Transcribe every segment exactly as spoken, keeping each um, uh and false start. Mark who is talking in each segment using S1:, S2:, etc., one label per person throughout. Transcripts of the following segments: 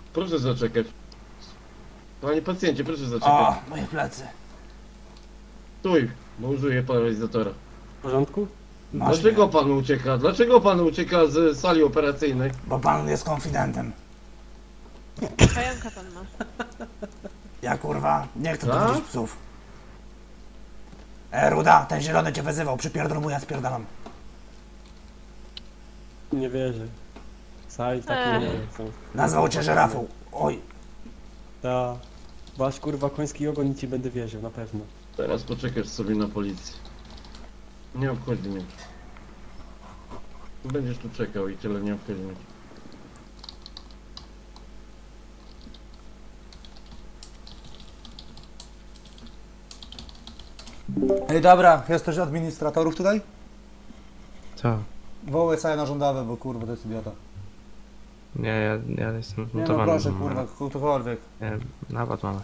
S1: Proszę zaczekać. Panie pacjencie, proszę zaczekać.
S2: O, moje plecy.
S1: Stój, bo użyję paralizatora.
S3: W porządku?
S2: Masz
S1: Dlaczego
S2: mnie,
S1: pan ucieka? Dlaczego pan ucieka z sali operacyjnej?
S2: bo pan jest konfidentem.
S4: Pająka pan ma.
S2: Ja kurwa, nie chcę tu
S1: Tak?
S2: widzieć psów. E, Ruda, ten zielony cię wyzywał, przypierdol mu, ja spierdalam.
S3: Nie wierzę. Saj, takie
S4: Ech.
S3: nie są.
S2: Nazwał cię żyrafą. Oj,
S3: Ta. Wasz kurwa koński ogon i ci będę wierzył, na pewno.
S1: Teraz poczekasz sobie na policję. Nie obchodzi mnie. Będziesz tu czekał i tyle, nie obchodzi mnie.
S5: Ej, dobra, jesteś administratorów tutaj?
S6: Co?
S5: Wołaj sobie na rządowe, bo kurwa to jest idiota.
S6: Nie, ja, ja jestem
S5: Nie no
S6: zmontowany.
S5: proszę,
S6: mam-
S5: kurwa, ktokolwiek.
S6: Nie, napad mamy.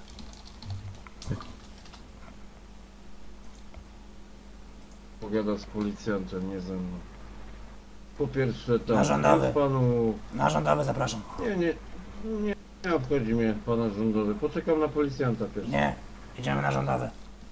S1: Pogada z policjantem, nie ze mną. Po pierwsze to...
S2: Na rządowy.
S1: Panu...
S2: na rządowy zapraszam.
S1: Nie, nie, nie, nie obchodzi mnie pana rządowy. Poczekam na policjanta pierwszy.
S2: Nie, idziemy na rządowy.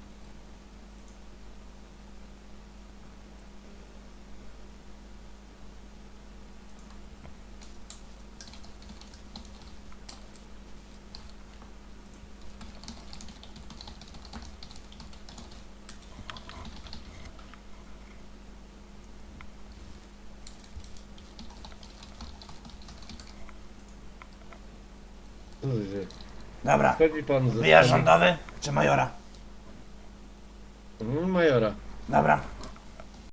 S1: Co się dzieje?
S2: Dobra,
S1: Wchodzi pan ze
S2: wyjazd
S1: sali-
S2: rządowy czy majora?
S1: Mm, Majora.
S2: Dobra,